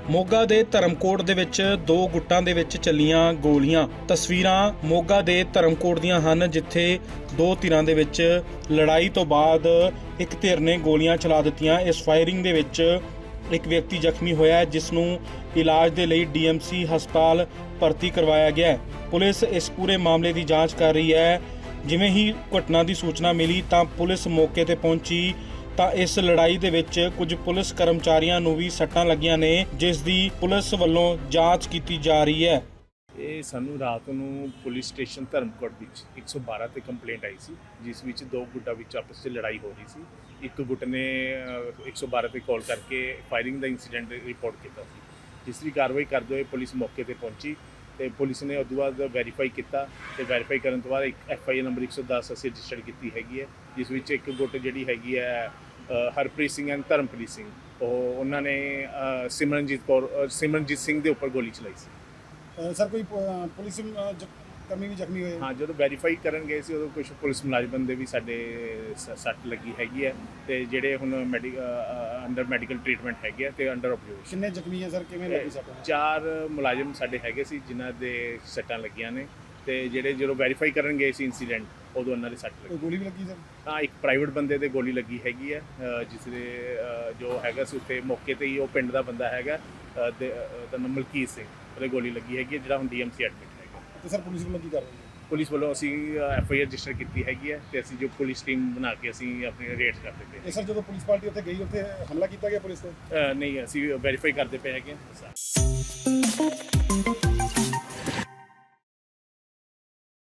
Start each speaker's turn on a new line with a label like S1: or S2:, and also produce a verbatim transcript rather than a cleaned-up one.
S1: ਮੋਗਾ ਦੇ ਧਰਮਕੋਟ ਦੇ ਵਿੱਚ ਦੋ ਗੁੱਟਾਂ ਦੇ ਵਿੱਚ ਚੱਲੀਆਂ ਗੋਲੀਆਂ। ਤਸਵੀਰਾਂ ਮੋਗਾ ਦੇ ਧਰਮਕੋਟ ਦੀਆਂ ਹਨ, ਜਿੱਥੇ ਦੋ ਧਿਰਾਂ ਦੇ ਵਿੱਚ ਲੜਾਈ ਤੋਂ ਬਾਅਦ ਇੱਕ ਧਿਰ ਨੇ ਗੋਲੀਆਂ ਚਲਾ ਦਿੱਤੀਆਂ। ਇਸ ਫਾਇਰਿੰਗ ਦੇ ਵਿੱਚ ਇੱਕ ਵਿਅਕਤੀ ਜ਼ਖਮੀ ਹੋਇਆ, ਜਿਸ ਨੂੰ ਇਲਾਜ ਦੇ ਲਈ ਡੀ ਐਮ ਸੀ ਹਸਪਤਾਲ ਭਰਤੀ ਕਰਵਾਇਆ ਗਿਆ ਹੈ। ਪੁਲਿਸ ਇਸ ਪੂਰੇ ਮਾਮਲੇ ਦੀ ਜਾਂਚ ਕਰ ਰਹੀ ਹੈ। ਜਿਵੇਂ ਹੀ ਘਟਨਾ ਦੀ ਸੂਚਨਾ ਮਿਲੀ ਤਾਂ ਪੁਲਿਸ ਮੌਕੇ ਤੇ ਪਹੁੰਚੀ ਤਾਂ ਇਸ ਲੜਾਈ ਦੇ ਵਿੱਚ ਕੁਝ ਪੁਲਿਸ ਕਰਮਚਾਰੀਆਂ ਨੂੰ ਵੀ ਸੱਟਾਂ ਲੱਗੀਆਂ ਨੇ, ਜਿਸ ਦੀ ਪੁਲਿਸ ਵੱਲੋਂ ਜਾਂਚ ਕੀਤੀ ਜਾ ਰਹੀ ਹੈ।
S2: ਇਹ ਸਾਨੂੰ ਰਾਤ ਨੂੰ ਪੁਲਿਸ ਸਟੇਸ਼ਨ ਧਰਮਕੋਟ ਵਿੱਚ ਇੱਕ ਸੌ ਬਾਰਾਂ ਤੇ ਕੰਪਲੇਂਟ ਆਈ ਸੀ, ਜਿਸ ਵਿੱਚ ਦੋ ਗੁੱਟਾਂ ਵਿੱਚ ਆਪਸ 'ਚ ਲੜਾਈ ਹੋ ਰਹੀ ਸੀ। ਇੱਕ ਗੁੱਟ ਨੇ ਇੱਕ ਸੌ ਬਾਰਾਂ ਤੇ ਕਾਲ ਕਰਕੇ ਫਾਇਰਿੰਗ ਦਾ ਇੰਸੀਡੈਂਟ ਰਿਪੋਰਟ ਕੀਤਾ ਸੀ, ਜਿਸ ਦੀ ਕਾਰਵਾਈ ਕਰਦੇ ਹੋਏ ਪੁਲਿਸ ਮੌਕੇ ਤੇ ਪਹੁੰਚੀ ਤੇ ਪੁਲਿਸ ਨੇ ਉਸ ਤੋਂ ਬਾਅਦ ਵੈਰੀਫਾਈ ਕੀਤਾ ਤੇ ਵੈਰੀਫਾਈ ਕਰਨ ਤੋਂ ਬਾਅਦ ਇੱਕ ਐਫ ਆਈ ਆਰ ਨੰਬਰ ਇੱਕ ਸੌ ਦਸ ਅਸੀਂ ਰਜਿਸਟਰ ਕੀਤੀ ਹੈਗੀ ਹੈ, ਜਿਸ ਵਿੱਚ ਇੱਕ ਗੁੱਟ ਜਿਹੜੀ ਹੈਗੀ ਹੈ ਹਰਪ੍ਰੀਤ ਸਿੰਘ ਐਂਡ ਧਰਮਪ੍ਰੀਤ ਸਿੰਘ, ਉਹ ਉਹਨਾਂ ਨੇ ਸਿਮਰਨਜੀਤ ਕੌਰ ਸਿਮਰਨਜੀਤ ਸਿੰਘ ਦੇ ਉੱਪਰ ਗੋਲੀ ਚਲਾਈ ਸੀ।
S3: ਸਰ ਕੋਈ ਪੁਲਿਸ ਕਰਮੀ ਵੀ ਜ਼ਖਮੀ ਹੋਏ?
S2: ਹਾਂ, ਜਦੋਂ ਵੈਰੀਫਾਈ ਕਰਨ ਗਏ ਸੀ ਉਦੋਂ ਕੁਝ ਪੁਲਿਸ ਮੁਲਾਜ਼ਮਾਂ ਦੇ ਵੀ ਸਾਡੇ ਸੱਟ ਲੱਗੀ ਹੈਗੀ ਹੈ ਤੇ ਜਿਹੜੇ ਹੁਣ ਮੈਡੀ ਅੰਡਰ ਮੈਡੀਕਲ ਟ੍ਰੀਟਮੈਂਟ ਹੈਗੇ ਆ ਤੇ ਅੰਡਰ ਆਬਜ਼ਰਵੇਸ਼ਨ।
S3: ਕਿੰਨੇ ਜ਼ਖਮੀ ਹੈ ਸਰ, ਕਿਵੇਂ ਲੱਗੀ ਸੱਟ?
S2: ਚਾਰ ਮੁਲਾਜ਼ਮ ਸਾਡੇ ਹੈਗੇ ਸੀ ਜਿਨ੍ਹਾਂ ਦੇ ਸੱਟਾਂ ਲੱਗੀਆਂ ਨੇ ਤੇ ਜਿਹੜੇ ਜਦੋਂ ਵੈਰੀਫਾਈ ਕਰਨ ਗਏ ਸੀ ਇੰਸੀਡੈਂਟ ਉਦੋਂ ਉਹਨਾਂ ਦੇ ਸੱਟ ਲੱਗੀ।
S3: ਗੋਲੀ ਵੀ ਲੱਗੀ ਸਰ?
S2: ਹਾਂ, ਇੱਕ ਪ੍ਰਾਈਵੇਟ ਬੰਦੇ ਦੇ ਗੋਲੀ ਲੱਗੀ ਹੈਗੀ ਹੈ, ਜਿਸ ਦੇ ਜੋ ਹੈਗਾ ਸੀ ਉੱਥੇ ਮੌਕੇ ਤੇ ਹੀ ਉਹ ਪਿੰਡ ਦਾ ਬੰਦਾ ਹੈਗਾ ਤੇ ਦਾ ਨਾਮ ਮਲਕੀਤ ਸਿੰਘ, ਉਹਦੇ ਗੋਲੀ ਲੱਗੀ ਹੈਗੀ ਹੈ, ਜਿਹੜਾ ਹੁਣ ਡੀ ਐਮ ਸੀ ਐਡਮਿਟ ਹੈਗਾ।
S3: ਤੇ ਸਰ ਪੁਲਿਸ ਵੱਲੋਂ ਕੀ ਕਰ ਰਹੀ ਹੈ?
S2: ਪੁਲਿਸ ਵੱਲੋਂ ਅਸੀਂ ਐਫ ਆਈ ਆਰ ਰਜਿਸਟਰ ਕੀਤੀ ਹੈਗੀ ਹੈ ਤੇ ਅਸੀਂ ਜੋ ਪੁਲਿਸ ਟੀਮ ਬਣਾ ਕੇ ਅਸੀਂ ਆਪਣੀ ਰੇਡਸ ਕਰਦੇ ਪਏ।
S3: ਇਹ ਸਰ ਜਦੋਂ ਪੁਲਿਸ ਪਾਰਟੀ ਉੱਥੇ ਗਈ, ਉੱਥੇ ਹਮਲਾ ਕੀਤਾ ਗਿਆ ਪੁਲਿਸ ਤੇ?
S2: ਨਹੀਂ, ਅਸੀਂ ਵੈਰੀਫਾਈ ਕਰਦੇ ਪਏ ਹੈਗੇ।